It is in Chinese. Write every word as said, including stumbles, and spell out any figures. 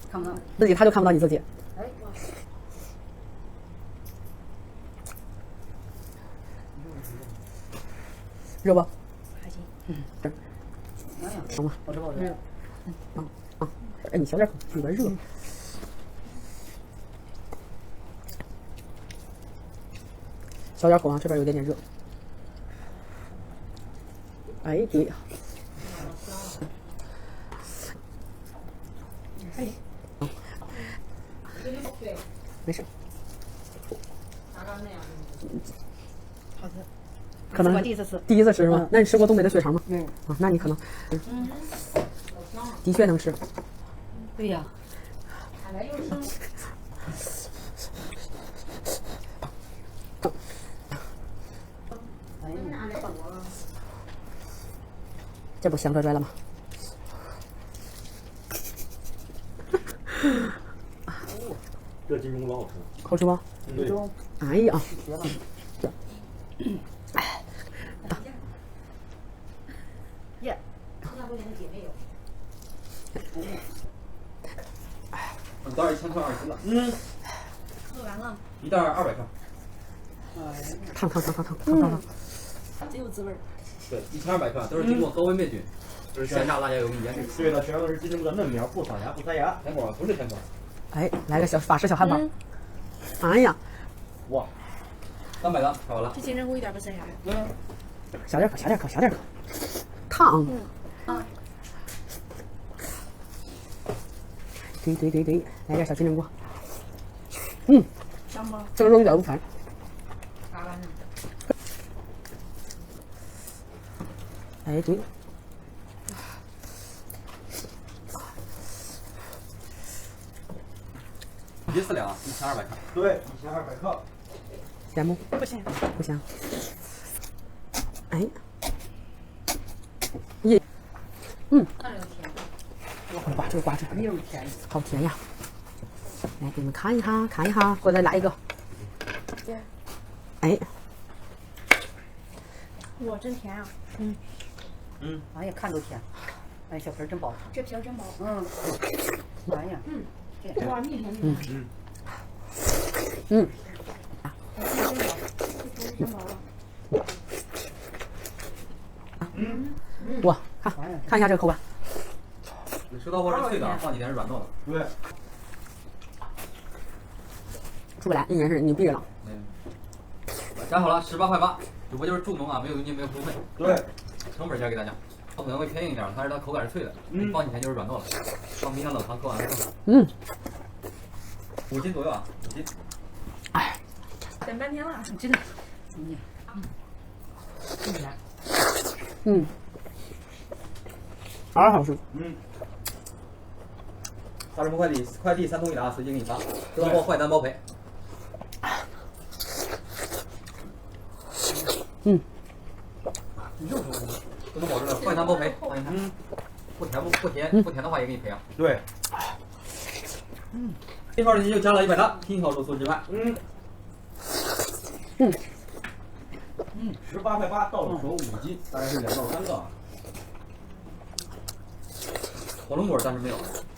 看不到自己他就看不到你自己。 哎， 热不？ 还行。 嗯，这哎呀， 行吗？ 好吃不好吃？ 嗯啊啊！哎，你小点口，有点热。小点口啊，这边有点点热。哎，对呀。 哎， 没事。 好吃。 可能我第一次吃。 第一次吃是吗？那你吃过东北的血肠吗？ 没有。 啊，那你可能，嗯，的确能吃。 对呀。这不香拽拽了吗？ 这金钟老好吃， 好吃吗？ 对。 哎呀！ 耶！ 一袋一千克二十了。嗯。 喝完了。 一袋二百克。 烫烫烫烫烫烫烫烫。 真有滋味。 对，一千二百克都是经过高温灭菌，就是鲜榨辣椒油跟盐水。对了，选的是金钟的嫩苗，不撒芽不塞芽。甜果不是甜果。 哎，来个小法式小汉堡。哎呀！ 哇！三百的，吃完了。 这金针菇一点不塞牙。 嗯。 小点口，小点口，小点口。烫。 啊。 对对对对，来点小金针菇。嗯。 香吗？ 这个肉一点不烦。 嘎完了。 哎，对。 一四两，一千二百克。对，一千二百克。 咸不？ 不咸。 不咸。哎。耶。嗯。 那有甜。 哇，这个瓜子没有甜。 好甜呀！来，给你们看一下，看一下，给我再来一个。哎。 哇，真甜啊！ 嗯。 嗯。哎呀，看都甜。哎，小皮真薄。这皮真薄。嗯。哎呀。嗯。哇，蜜甜蜜甜。 嗯。 嗯。 真薄了。 嗯。 哇，看看一下这个口感。 你吃到过是脆的，放几天是软糯的。对。 出不来，应该是你闭着了。 嗯。夹好了，十八块八。主播就是助农啊，没有佣金，没有服务费。对。成本价给大家，它可能会偏硬一点，但是它口感是脆的，嗯，放几天就是软糯了。放冰箱冷藏，搁完了。 嗯。 五斤左右啊，五斤。 哎。 等半天了，真的。嗯。真甜。 嗯。好好吃。 嗯。大中国快递，快递三通一达，随机给你发，收到后坏单包赔。 嗯。 这么保证的，坏单包赔，放心看。嗯。不甜不不甜不甜的话也给你赔啊。对。嗯。一号链接就加了一百单，拼好住宿之外。嗯。 嗯。 嗯，十八块八到手五斤，大概是两到三个。火龙果暂时没有。